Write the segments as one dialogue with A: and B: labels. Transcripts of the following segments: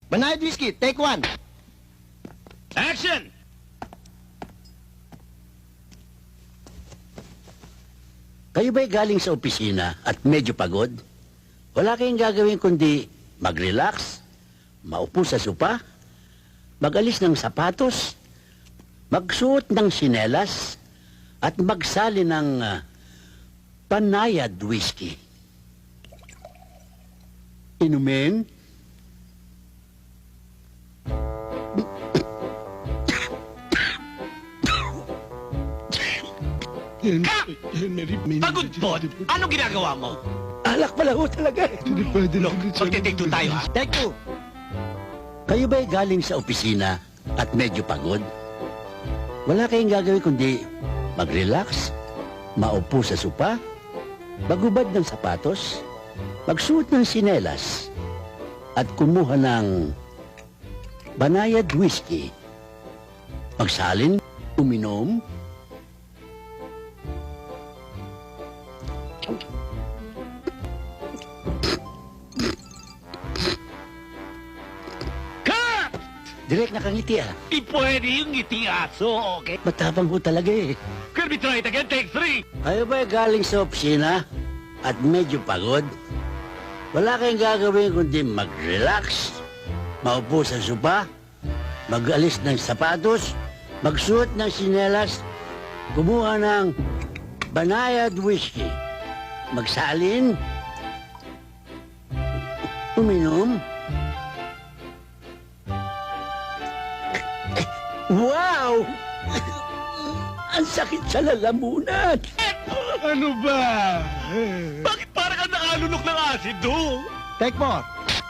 A: Banayad whiskey, take one.
B: Action!
C: Kayo ba'y galing sa opisina at medyo pagod? Wala kayong gagawin kundi mag-relax, maupo sa sopa, mag-alis ng sapatos, magsuot ng sinelas, at magsali ng panayad whiskey. Inumin?
B: Pagod-pod! Anong ginagawa mo?
C: Alak pala ho talaga.
B: Look, magte-take two tayo, ha?
A: Take two.
C: Kayo ba'y galing sa opisina at medyo pagod? Wala kayong gagawin kundi mag-relax, maupo sa sopa, magubad ng sapatos, magsuot ng sinelas, at kumuha ng banayad whiskey. Magsalin, uminom,
B: Cut!
C: direct nakangiti ah.
B: Di pwede yung ngiti aso, okay?
C: Matapang ho talaga eh.
B: Can we try it again? Take three!
C: Kayo ba'y galing sa opisina at medyo pagod? Wala kayong gagawin kundi mag-relax, maupo sa sopa, mag-alis ng sapatos, magsuot ng sinelas, kumuha ng banayad whiskey, magsalin, uminom. Wow! Ang sakit sa lalamunan.
B: Ano ba? Bakit parang ka nakalunok ng asido?
A: Take more.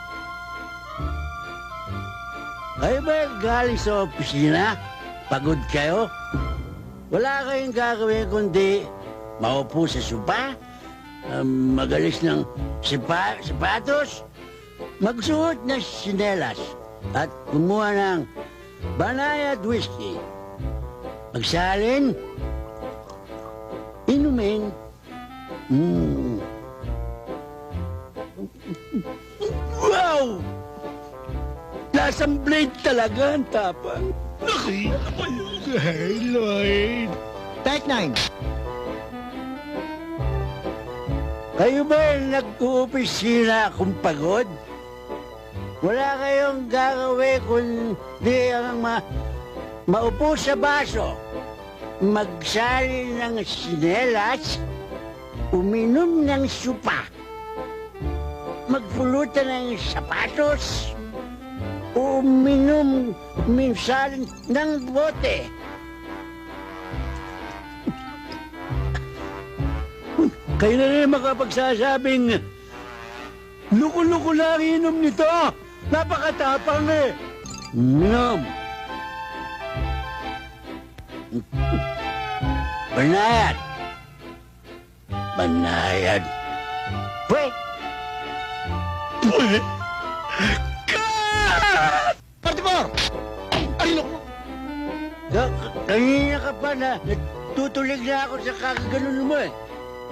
C: Kayo ba galing sa opisina? Pagod kayo? Wala kayong gagawin kundi maupo sa sopa, magalis ng sapatos, magsuot ng sinelas, at kumuha ng banayad whiskey. Magsalin, inumin. Wow! Lasang blade talaga ang tapang.
B: Ay, Lloyd.
A: Take nine.
C: Kayo ba nag-uopisina kung pagod? Wala kayong gagawin kundi ang maupo sa baso, magsali ng sinelas, uminom ng supa, magpulutan ng sapatos, uminom minsan ng bote. Kayo na rin makapagsasabing, luko-luko lang inom nito. Napakatapang eh. Inom. Banayad. Banayad. Pwe.
B: Pwe? Cut!
A: 44. Ay, naku.
C: Kanina ka pa na natutulig na ako sa kakaganon mo eh.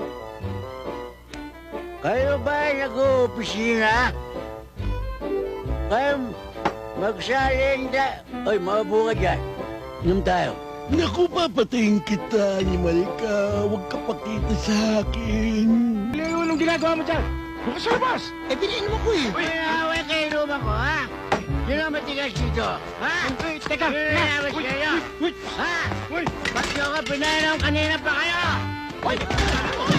C: Kayo ba nag-uopisina? Kayo magsalin da... Oy, maupo ka dyan. Inom tayo.
B: Naku, papatayin kita, animal ka. Huwag ka pakita sa akin.
A: Leo, anong ginagawa mo dyan? Bukas sa labas. Eh, piniinom ako eh.
C: Uy, away kayo inuman ko, ha? Sino ang matigas dito? Ha?
A: Teka.
C: Sino nawas kayo? Ha? Ba't nyo ka pinainom kanina pa kayo?
A: Uy!